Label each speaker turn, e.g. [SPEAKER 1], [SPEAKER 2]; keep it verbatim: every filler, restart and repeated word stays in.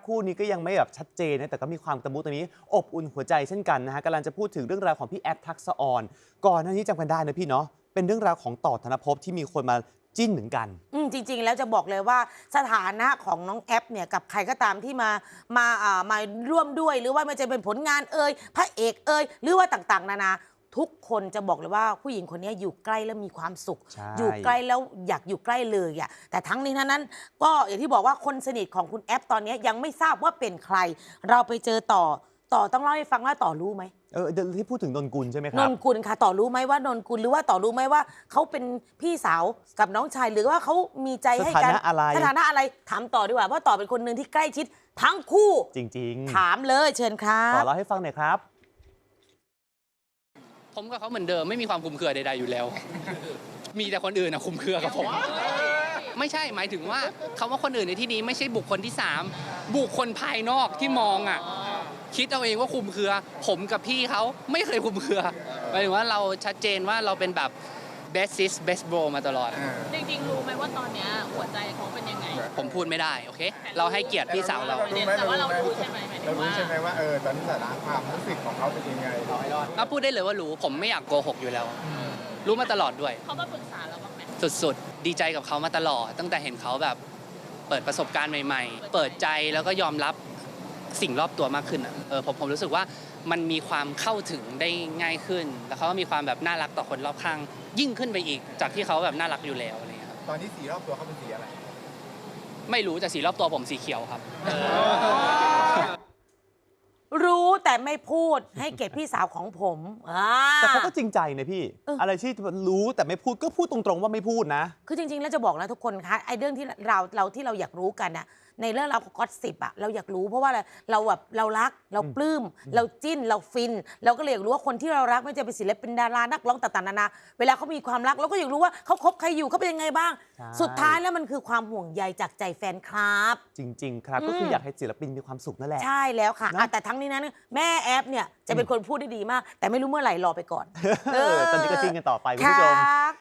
[SPEAKER 1] คู่นี้ก็ยังไม่แบบชัดเจนนะแต่ก็มีความตะมุตะมิอบอุ่นหัวใจเช่นกันนะฮะกำลังจะพูดถึงเรื่องราวของพี่แอฟทักษะออนก่อนหน้านี้จำกันได้นะพี่เนาะเป็นเรื่องราวของต่อธนภพที่มีคนมาจิ้นเหมือนกัน
[SPEAKER 2] อืมจริงๆแล้วจะบอกเลยว่าสถานะของน้องแอปเนี่ยกับใครก็ตามที่มามาอ่ามาร่วมด้วยหรือว่ามันจะเป็นผลงานเอ่ยพระเอกเอ่ยหรือว่าต่างๆนานาทุกคนจะบอกเลยว่าผู้หญิงคนนี้อยู่ใกล้แล้วมีความสุขอยู่ใกล้แล้วอยากอยู่ใกล้เลยอ่ะแต่ทั้งนี้ทั้งนั้นก็อย่างที่บอกว่าคนสนิทของคุณแอปตอนนี้ยังไม่ทราบว่าเป็นใครเราไปเจอต่อต่อต้องเล่าให้ฟังว่าต่อรู้ไหม
[SPEAKER 1] เออที่พูดถึงนนกุลใช่ไหมครับ
[SPEAKER 2] นนกุลค่ะต่อรู้ไหมว่านนกุลหรือว่าต่อรู้ไหมว่าเขาเป็นพี่สาวกับน้องชายหรือว่าเขามีใจให้กัน
[SPEAKER 1] สถานะอะไร
[SPEAKER 2] สถานะอะไรถามต่อดีกว่าเพราะต่อเป็นคนหนึ่งที่ใกล้ชิดทั้งคู่
[SPEAKER 1] จริง
[SPEAKER 2] ๆถามเลยเชิญครับ
[SPEAKER 1] ต่อเล่าให้ฟังหน่อยครับ
[SPEAKER 3] ผมกับเขาเหมือนเดิมไม่มีความคุมเครือใดๆอยู่แล้ว มีแต่คนอื่นนะคุมเครือกับผม ไม่ใช่หมายถึงว่าคำว่าคนอื่นในที่นี้ไม่ใช่บุคคลที่สามบุคคลภายนอกที่มองอ่ะคิดเอาเองว่าคุมเครือ ผมกับพี่เขาไม่เคยคุมเครือหมายถึงว่าเราชัดเจนว่าเราเป็นแบบ best sis best bro มาตลอด
[SPEAKER 4] จริงๆรู้ไหมว่าตอนนี้หัวใจเขาเป็นยังไง
[SPEAKER 3] ผมพูดไม่ได้โอเคเราให้เกียรติพี่สาวเรา
[SPEAKER 4] แต่ว่าเรารู้ใช่ไหม
[SPEAKER 5] เรารู้ใช่ไหมว่าเออตอนนี้สถานะความรู้สึกของเขาเป็นยังไง
[SPEAKER 3] เราพูดได้เลยว่ารู้ผมไม่อยากโกหกอยู่แล้วรู้มาตลอดด้วย
[SPEAKER 4] เขามาปรึกษาเราบ้างไหม
[SPEAKER 3] สุดๆดีใจกับเขามาตลอดตั้งแต่เห็นเขาแบบเปิดประสบการณ์ใหม่ๆเปิดใจแล้วก็ยอมรับสิ่งรอบตัวมากขึ้นอ่ะเออผมผมรู้สึกว่ามันมีความเข้าถึงได้ง่ายขึ้นแล้วเขาก็มีความแบบน่ารักต่อคนรอบข้างยิ่งขึ้นไปอีกจากที่เขาแบบน่ารักอยู่แล้วอะไรเงี้ย
[SPEAKER 5] ตอนนี้สีรอบตัวเขาเป็นสีอะไร
[SPEAKER 3] ไม่รู้แต่สีรอบตัวผมสีเขียวครับ
[SPEAKER 2] รู้แต่ไม่พูดให้เกียรติพี่สาวของผม
[SPEAKER 1] แต่เขาก็จริงใจนะพี่อะไรที่รู้แต่ไม่พูดก็พูดตรงๆว่าไม่พูดนะ
[SPEAKER 2] คือจริงๆแล้วจะบอกนะทุกคนคะไอ้เรื่องที่เราเราที่เราอยากรู้กันน่ะในเรื่องราวของก็อตสิบอะเราอยากรู้เพราะว่าอะไรเราแบบเรารักเราปลื้มเราจิ้นเราฟินเราก็เลยอยากรู้ว่าคนที่เรารักไม่ว่าจะเป็นศิลปินดารานักร้องต่างๆนานาเวลาเขามีความรักเราก็อยากรู้ว่าเขาคบใครอยู่เขาเป็นยังไงบ้างสุดท้ายแล้วมันคือความห่วงใยจากใจแฟนคลับ
[SPEAKER 1] จริงๆครับก็คืออยากให้ศิลปินมีความสุขนั่นแหละ
[SPEAKER 2] ใช่แล้วค่ะแต่ทั้งนี้นั้นแม่แอฟเนี่ยจะเป็นคนพูดได้ดีมากแต่ไม่รู้เมื่อไหร่รอไปก่อน
[SPEAKER 1] ตอนนี้ก็จิ้นกันต่อไปคุณผู้ชม